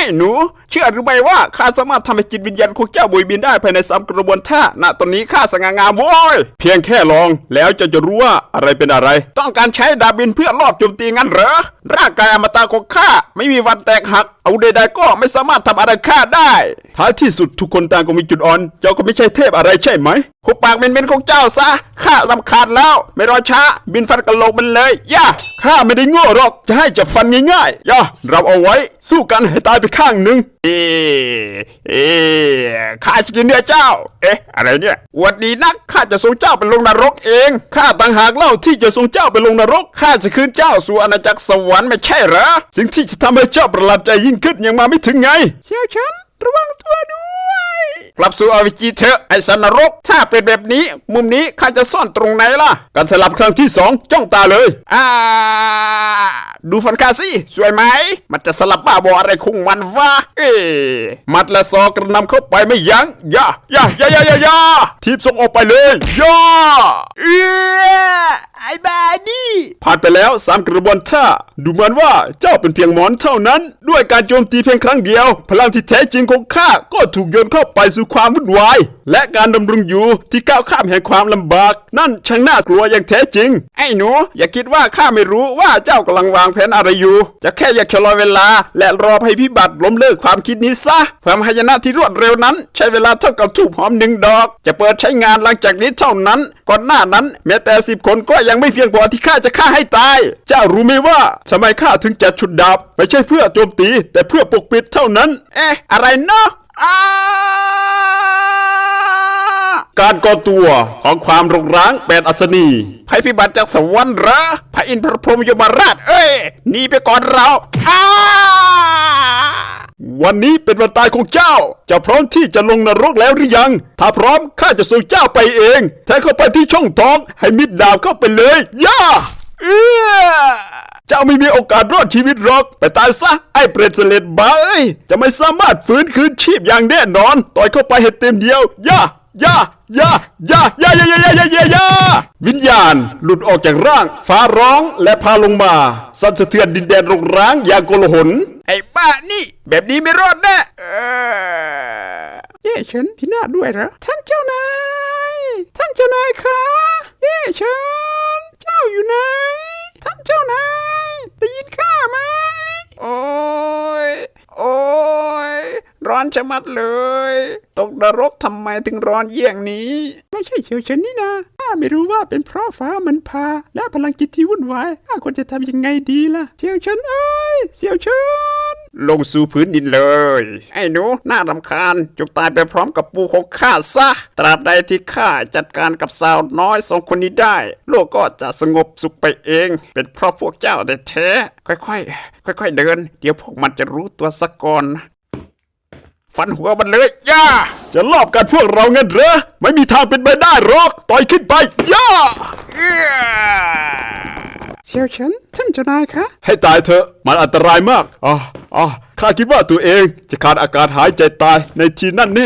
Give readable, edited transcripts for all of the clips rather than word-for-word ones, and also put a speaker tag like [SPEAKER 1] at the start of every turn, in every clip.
[SPEAKER 1] หนูเชื่อหรือไม่ว่าข้าสามารถทำให้จิตวิญญาณของเจ้าบุยบินได้ภายใน3 กระบวนท่าณตอนนี้ข้าสง่างามโว้ยเพียงแค่ลองแล้วจะรู้ว่าอะไรเป็นอะไรต้องการใช้ดาบบินเพื่อลอบโจมตีงั้นเหรอร่างกายอมตะของข้าไม่มีวันแตกหักเอาใดๆก็ไม่สามารถทำอะไรข้าได้ท้ายที่สุดทุกคนต่างก็มีจุดอ่อนเจ้าก็ไม่ใช่เทพอะไรใช่ไหมหุบปากเม้นๆของเจ้าซะข้ารำคาญแล้วไม่รอช้าบินฟันกระโหลกมันเลยย่าข้าไม่ได้โง่หรอกจะให้จับฟันง่ายๆย่าเราเอาไว้สู้กันให้ตายไปข้างหนึ่งข้าจะกินเนื้อเจ้าอะไรเนี่ยวันนี้นักข้าจะส่งเจ้าไปลงนรกเองข้าต่างหากเล่าที่จะส่งเจ้าไปลงนรกข้าจะคืนเจ้าสู่อาณาจักรสวรรค์ไม่ใช่เหรอสิ่งที่จะทำให้เจ้าประหลาดใจยิ่งขึ้นยังมาไม่ถึงไงเชี่ยวฉันระวังตัวด้วยกลับสู่อวิจีเถอะไอ้สันนรกถ้าเป็นแบบนี้มุมนี้ข้าจะซ่อนตรงไหนล่ะการสลับครั้งที่2จ้องตาเลยดูฟันข้าสิสวยไหมมันจะสลับบ้าบออะไรคงมันวะมัดและซอกระนำเข้าไปไม่ยั้งย่าทีบส่งออกไปเลยย่าไอ้บ้านี่ผ่านไปแล้ว3 กระบวนท่าดูเหมือนว่าเจ้าเป็นเพียงหมอนเท่านั้นด้วยการโจมตีเพียงครั้งเดียวพลังที่แท้จริงของข้าก็ถูกโยนเข้าไปสู่ความวุ่นวายและการดำรงอยู่ที่ก้าวข้ามแห่งความลำบากนั่นช่างน่ากลัวอย่างแท้จริงไอ้หนูอย่าคิดว่าข้าไม่รู้ว่าเจ้ากำลังวางแผนอะไรอยู่จะแค่อยากชะลอเวลาและรอภัยพิบัติล้มเลิกความคิดนี้ซะความหายนะที่รวดเร็วนั้นใช้เวลาเท่ากับธูปหอม1 ดอกจะเปิดใช้งานหลังจากนี้เท่านั้นก่อนหน้านั้นแม้แต่10 คนก็ยังไม่เพียงพอที่ข้าจะฆ่าให้ตายเจ้ารู้ไหมว่าทำไมข้าถึงจัดชุดดาบไม่ใช่เพื่อโจมตีแต่เพื่อปกปิดเท่านั้นอะไรเนาะการก่อตัวของความรกร้าง8 อัศนีภัยพิบัติจากสวรรค์เหรอพระอินทร์พระพรหมยมราชหนีไปก่อนเราวันนี้เป็นวันตายของเจ้าจะพร้อมที่จะลงนรกแล้วหรือยังถ้าพร้อมข้าจะส่งเจ้าไปเองแทงเข้าไปที่ช่องท้องให้มิดดาบเข้าไปเลยย่าเจ้าไม่มีโอกาสรอดชีวิตหรอกไปตายซะไอ้เปรตเสลดบ้าจะไม่สามารถฟื้นคืนชีพอย่างแน่นอนต่อยเข้าไปให้เต็มเดียวย่าวิญญาณหลุดออกจากร่างฟ้าร้องและพาลงมาสั่นสะเทือนดินแดนรกร้างอย่างโกลาหลไอ้บ้านี่แบบนี้ไม่รอดแน่ฉันพินาศด้วยเหรอท่านเจ้านายคะฉันเจ้าอยู่ไหนท่านเจ้านายได้ยินข้าไหมโอ้ยร้อนชะมัดเลยตกนรกทำไมถึงร้อนเยี่ยงนี้ไม่ใช่เฉียวฉันนี่นะข้าไม่รู้ว่าเป็นเพราะฟ้ามันพาและพลังจิตที่วุ่นวายข้าควรจะทำยังไงดีล่ะเฉียวฉันเฉียวฉันลงสู่พื้นดินเลยไอ้หนูน่ารำคาญจงตายไปพร้อมกับปูของข้าซะตราบใดที่ข้าจัดการกับสาวน้อย2 คนนี้ได้โลกก็จะสงบสุขไปเองเป็นเพราะพวกเจ้าแต่แท้ค่อยๆเดินเดี๋ยวพวกมันจะรู้ตัวซะก่อนฟันหัวมันเลยย่าจะลอบกันพวกเราเงินเหรอไม่มีทางเป็นไปได้หรอกต่อยขึ้นไปย่าเชี่ยวฉันท่านเจ้านายคะให้ตายเถอะมันอันตรายมากข้าคิดว่าตัวเองจะขาดอากาศหายใจตายในทีนั่นแน่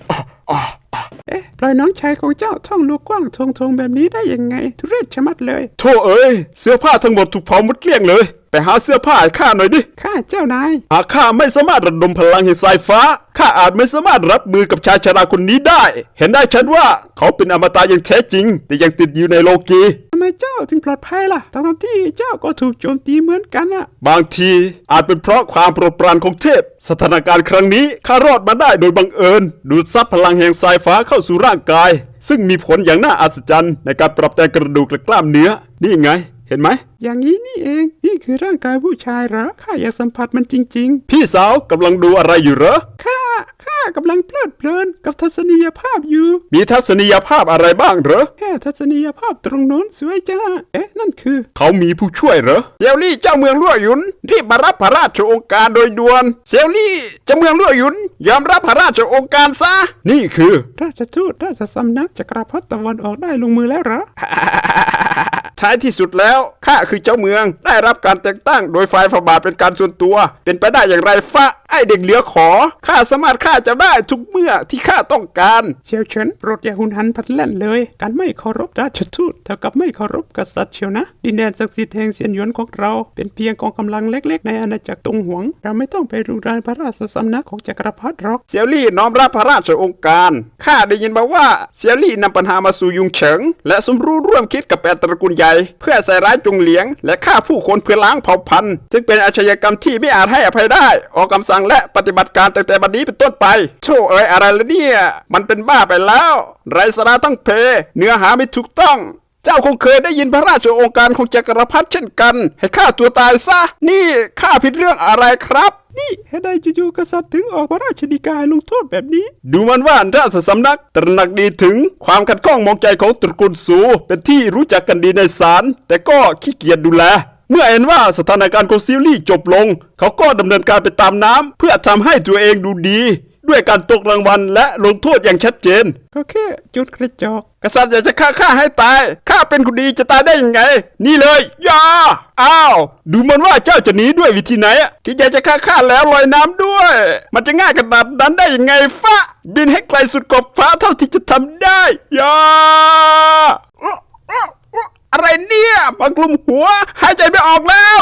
[SPEAKER 1] ปล่อยน้องชายของเจ้าท่องลูกกว้างทงแบบนี้ได้ยังไงทุเรศชะมัดเลยโธ่เสื้อผ้าทั้งหมดถูกเผาหมดเกลี้ยงเลยไปหาเสื้อผ้าให้ข้าหน่อยดิข้าเจ้านายข้าไม่สามารถระดมพลังแห่งสายฟ้าข้าอาจไม่สามารถรับมือกับชายชราคนนี้ได้เห็นได้ชัดว่าเขาเป็นอมตะอย่างแท้จริงแต่ยังติดอยู่ในโลกีทำไมเจ้าถึงปลอดภัยล่ะทั้งที่เจ้าก็ถูกโจมตีเหมือนกันบางทีอาจเป็นเพราะความโปรดปรานของเทพสถานการณ์ครั้งนี้ข้ารอดมาได้โดยบังเอิญดูดซับพลังแห่งสายฟ้าเข้าสู่ร่างกายซึ่งมีผลอย่างน่าอัศจรรย์ในการปรับแต่งกระดูกและกล้ามเนื้อนี่ไงเห็นไหมอย่างนี้นี่เองนี่คือร่างกายผู้ชายเหรอข้าอยากสัมผัสมันจริงๆพี่สาวกำลังดูอะไรอยู่เหรอข้ากำลังเพลิดเพลินกับทัศนียภาพอยู่มีทัศนียภาพอะไรบ้างเหรอแค่ทัศนียภาพตรงโน้นสวยจ้านั่นคือเขามีผู้ช่วยเหรอเซียวลี่เจ้าเมืองลั่วหยุนรีบมารับพระราชโองการโดยด่วนเซียวลี่เจ้าเมืองลั่วหยุนยอมรับพระราชโองการซะนี่คือราชทูตราชสำนักจักรพรรดิตะวันออกได้ลงมือแล้วเหรอ ท้ายที่สุดแล้วข้าคือเจ้าเมืองได้รับการแต่งตั้งโดยฝ่ายฝ่าบาทเป็นการส่วนตัวเป็นไปได้อย่างไรฟะไอเด็กเหลือขอข้าสามารถฆ่าเจ้าได้ทุกเมื่อที่ข้าต้องการ
[SPEAKER 2] เซียวเฉินโปรดอย่าหุนหันพลันแล่นเลยการไม่เคารพราชทูตเท่ากับไม่เคารพกษัตริย์เชียวนะดินแดนศักดิ์สิทธิ์แห่งเซียนหยวนของเราเป็นเพียงกองกำลังเล็กๆในอาณาจักรตงหวงเราไม่ต้องไปรุกรานพระราชสำนักของจักรพรรดิหรอก
[SPEAKER 1] เซียวลี่น้อมรับพระราชองค์การข้าได้ยินมาว่าเซียวลี่นำปัญหามาสู่ยุงเฉิงและสมรู้ร่วมคิดกับแปดตระกูลใหญ่เพื่อใส่ร้ายจงเหลียงและฆ่าผู้คนเพื่อล้างเผ่าพันธุ์ซึ่งเป็นอาชญากรรมที่ไม่อาจให้อภัยได้ออกคำสั่งและปฏิบัติการตั้งแต่บัดนี้เป็นต้นไปโธ่เอ๋ยอะไรล่ะเนี่ยมันเป็นบ้าไปแล้วไร้สาระทั้งเพเนื้อหาไม่ถูกต้องเจ้าคงเคยได้ยินพระราชโองการของจักรพรรดิเช่นกันให้ฆ่าตัวตายซะนี่ข้าผิดเรื่องอะไรครับ
[SPEAKER 2] นี่เหตุใดจู่ๆกษัตริย์ถึงออกพระราชฎีกาลงโทษแบบนี้
[SPEAKER 1] ดูมันว่าราชสำนักตระหนักดีถึงความขัดข้องมองใจของตระกูลสูเป็นที่รู้จักกันดีในศาลแต่ก็ขี้เกียจดูแลเมื่อเห็นว่าสถานการณ์ของซิลลี่จบลงเขาก็ดำเนินการไปตามน้ำเพื่อทำให้ตัวเองดูดีด้วยการตกรางวัลและลงโทษอย่างชัดเจน
[SPEAKER 2] ก็แค่จุดกระจอก
[SPEAKER 1] กษัตริย์อยากจะฆ่าข้าให้ตายข้าเป็นคนดีจะตายได้ยังไงนี่เลยอย่าอ้าวดูมันว่าเจ้าจะหนีด้วยวิธีไหนคิดอยากจะฆ่าข้าแล้วลอยน้ำด้วยมันจะง่ายขนาดนั้นได้ยังไงฟ้าบินให้ไกลสุดขอบฟ้าเท่าที่จะทำได้อย่าอะไรเนี่ยมากลุ่มหัวหายใจไม่ออกแล้ว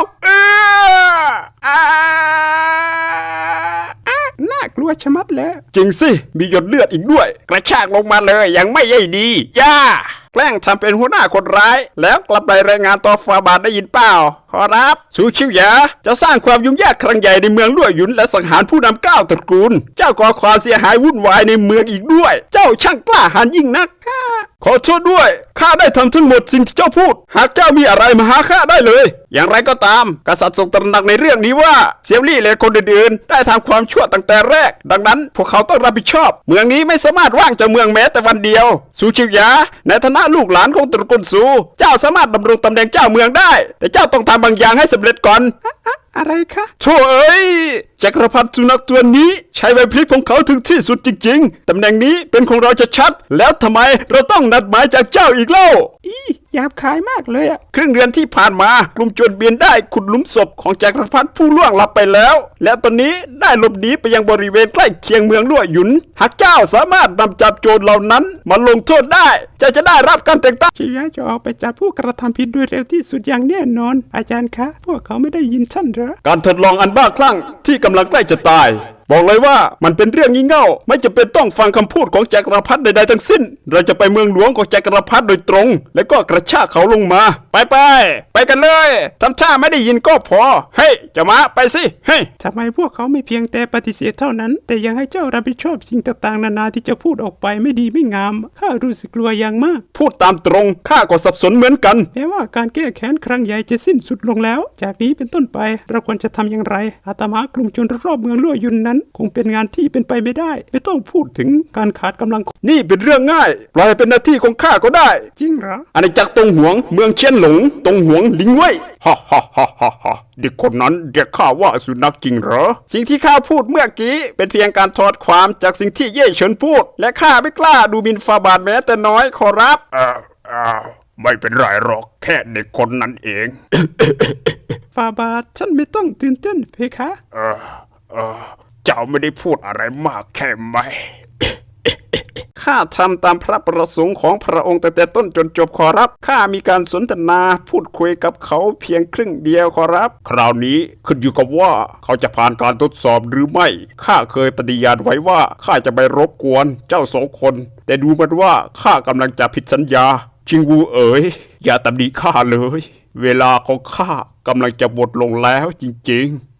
[SPEAKER 2] น่ากลัวชะมัดแล้ว
[SPEAKER 1] จริงสิมีหยดเลือดอีกด้วยกระชากลงมาเลยยังไม่ย่อยดีย่าแกล้งทำเป็นหัวหน้าคนร้ายแล้วกลับไปรายงานต่อฟาบาทได้ยินเปล่าขอรับสูชิวหยาจะสร้างความยุ่งยากครั้งใหญ่ในเมืองลั่วหยุนและสังหารผู้นำ9ตระกูลเจ้าก่อความเสียหายวุ่นวายในเมืองอีกด้วยเจ้าช่างกล้าหาญยิ่งนักขอโทษด้วยข้าได้ทำทั้งหมดสิ่งที่เจ้าพูดหากเจ้ามีอะไรมาหาข้าได้เลยอย่างไรก็ตามกษัตริย์ทรงตระหนักในเรื่องนี้ว่าเซียวลี่และคนอื่นๆได้ทำความชั่วตั้งแต่แรกดังนั้นพวกเขาต้องรับผิดชอบเมืองนี้ไม่สามารถว่างจากเมืองแม้แต่วันเดียวสูชิวหยาในฐานะลูกหลานของตระกูลสูเจ้าสามารถดำรงตำแหน่งเจ้าเมืองได้แต่เจ้าต้องทำบางอย่างให้สำเร็จก่อน
[SPEAKER 2] อะไรคะ
[SPEAKER 1] โธ่เอ้ยจักรพรรดิสุนัขตัวนี้ใช้ใบพลิกของเขาถึงที่สุดจริงๆตำแหน่งนี้เป็นของเราจะชัดแล้วทำไมเราต้องนัดหมายจากเจ้าอีกเล่า
[SPEAKER 2] หยาบคายมากเลย
[SPEAKER 1] ครึ่งเดือนที่ผ่านมากลุ่มโจรเบียนได้ขุดหลุมศพของจักรพรรดิผู้ล่วงลับไปแล้วและตอนนี้ได้หลบหนีไปยังบริเวณใกล้เคียงเมืองลั่วหยุนหากเจ้าสามารถนำจับโจรเหล่านั้นมาลงโทษได้เจ้าจะได้รับการแต่งตั้ง
[SPEAKER 2] ชิยะจะออกไปจับผู้กระทำผิดโดยเร็วที่สุดอย่างแน่นอนอาจารย์คะพวกเขาไม่ได้ยินท่านเหรอ
[SPEAKER 1] การทดลองอันบ้าคลั่งที่กำลังใกล้จะตายบอกเลยว่ามันเป็นเรื่องงี่เง่าไม่จำเป็นต้องฟังคำพูดของจักรพรรดิใดๆทั้งสิ้นเราจะไปเมืองหลวงของจักรพรรดิโดยตรงแล้วก็กระชากเขาลงมาไปกันเลยทำท่าไม่ได้ยินก็พอเฮ้ยจะมาไปสิเฮ้ย
[SPEAKER 2] ทำไมพวกเขาไม่เพียงแต่ปฏิเสธเท่านั้นแต่ยังให้เจ้ารับผิดชอบสิ่งต่างๆนานาที่จะพูดออกไปไม่ดีไม่งามข้ารู้สึกกลัวอย่างมาก
[SPEAKER 1] พูดตามตรงข้าก็สับสนเหมือนกัน
[SPEAKER 2] แม้ว่าการแก้แค้นครั้งใหญ่จะสิ้นสุดลงแล้วจากนี้เป็นต้นไปเราควรจะทำอย่างไรอาตมากลุ่มชนรอบเมืองลั่วยุนนั้นคงเป็นงานที่เป็นไปไม่ได้ไม่ต้องพูดถึงการขาดกำลัง
[SPEAKER 1] นี่เป็นเรื่องง่ายปล่อยเป็นหน้าที่ของข้าก็ได้
[SPEAKER 2] จริงเหรอ
[SPEAKER 1] อาณาจักรตงหวงเมืองเชียนหลงตงหวงลิงเว่ยฮ่าเด็กคนนั้นเรียกข้าว่าสุนัขจริงเหรอสิ่งที่ข้าพูดเมื่อกี้เป็นเพียงการถอดความจากสิ่งที่เย่เฉินพูดและข้าไม่กล้าดูหมิ่นฟาบาทแม้แต่น้อยขอรับไม่เป็นไรหรอกแค่เด็กคนนั้นเอง
[SPEAKER 2] ฟาบาทฉันไม่ต้องตื่นเต้นเพคะ
[SPEAKER 1] เจ้าไม่ได้พูดอะไรมากแค่ไหมข้าทำตามพระประสงค์ของพระองค์แต่ต้นจนจบขอรับข้ามีการสนทนาพูดคุยกับเขาเพียงครึ่งเดียวขอรับคราวนี้ขึ้นอยู่กับว่าเขาจะผ่านการทดสอบหรือไม่ข้าเคยปฏิญาณไว้ว่าข้าจะไม่รบกวนเจ้าสองคนแต่ดูเหมือนว่าข้ากำลังจะผิดสัญญาชิงวูเอ๋ยอย่าตำหนิข้าเลยเวลาของข้ากำลังจะหมดลงแล้วจริงๆ